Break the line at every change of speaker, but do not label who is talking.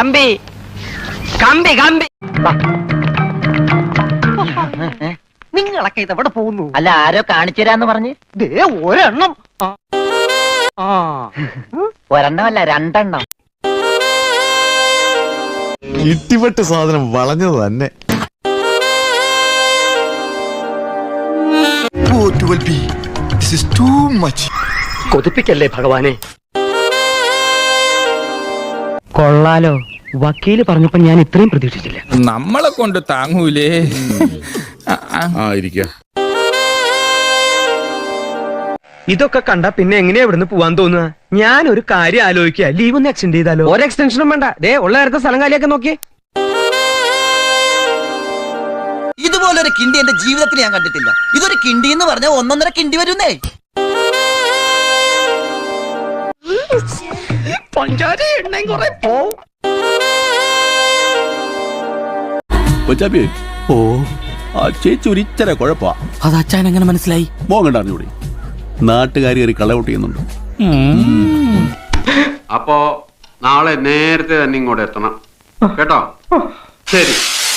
കമ്പി കമ്പി കമ്പി. നിങ്ങളൊക്കെ ഇതെവിടെ പോകുന്നു?
അല്ല, ആരോ കാണിച്ചു തരാന്ന് പറഞ്ഞ്.
ദേ ഒരെണ്ണം.
ഒരെണ്ണമല്ല, രണ്ടെണ്ണം.
ഇട്ടിപ്പെട്ട് സാധനം വളഞ്ഞത് തന്നെ.
കൊതിപ്പിക്കല്ലേ ഭഗവാനെ. കൊള്ളാലോ, വക്കീല് പറഞ്ഞപ്പോ ഞാൻ ഇത്രയും പ്രതീക്ഷിച്ചില്ല.
നമ്മളെ കൊണ്ട് താങ്ങൂലേ.
ഇതൊക്കെ കണ്ട പിന്നെ എങ്ങനെയാ ഇവിടുന്ന് പോവാൻ തോന്നുക? ഞാൻ ഒരു കാര്യം ആലോചിക്കുക, ലീവ് ഒന്ന് എക്സ്റ്റെൻഡ് ചെയ്താലോ? ഒരു എക്സ്റ്റൻഷനും വേണ്ട, ദേ ഉള്ള നേരത്തെ സ്ഥലം കാലിയൊക്കെ നോക്കി.
ഇതുപോലൊരു കിണ്ടി എന്റെ ജീവിതത്തിൽ ഞാൻ കണ്ടിട്ടില്ല. ഇതൊരു കിണ്ടി എന്ന് പറഞ്ഞാൽ 1.5 കിണ്ടി വരുന്നേ.
ഓ, ആ ചേച്ചി ഒരിച്ചര കുഴപ്പാ.
അത് അച്ഛൻ എങ്ങനെ മനസ്സിലായി?
മോങ്ങണ്ടറിഞ്ഞൂടെ, നാട്ടുകാരി കയറി കളൗട്ട് ചെയ്യുന്നുണ്ട്.
അപ്പോ നാളെ നേരത്തെ തന്നെ ഇങ്ങോട്ട് എത്തണം കേട്ടോ. ശരി.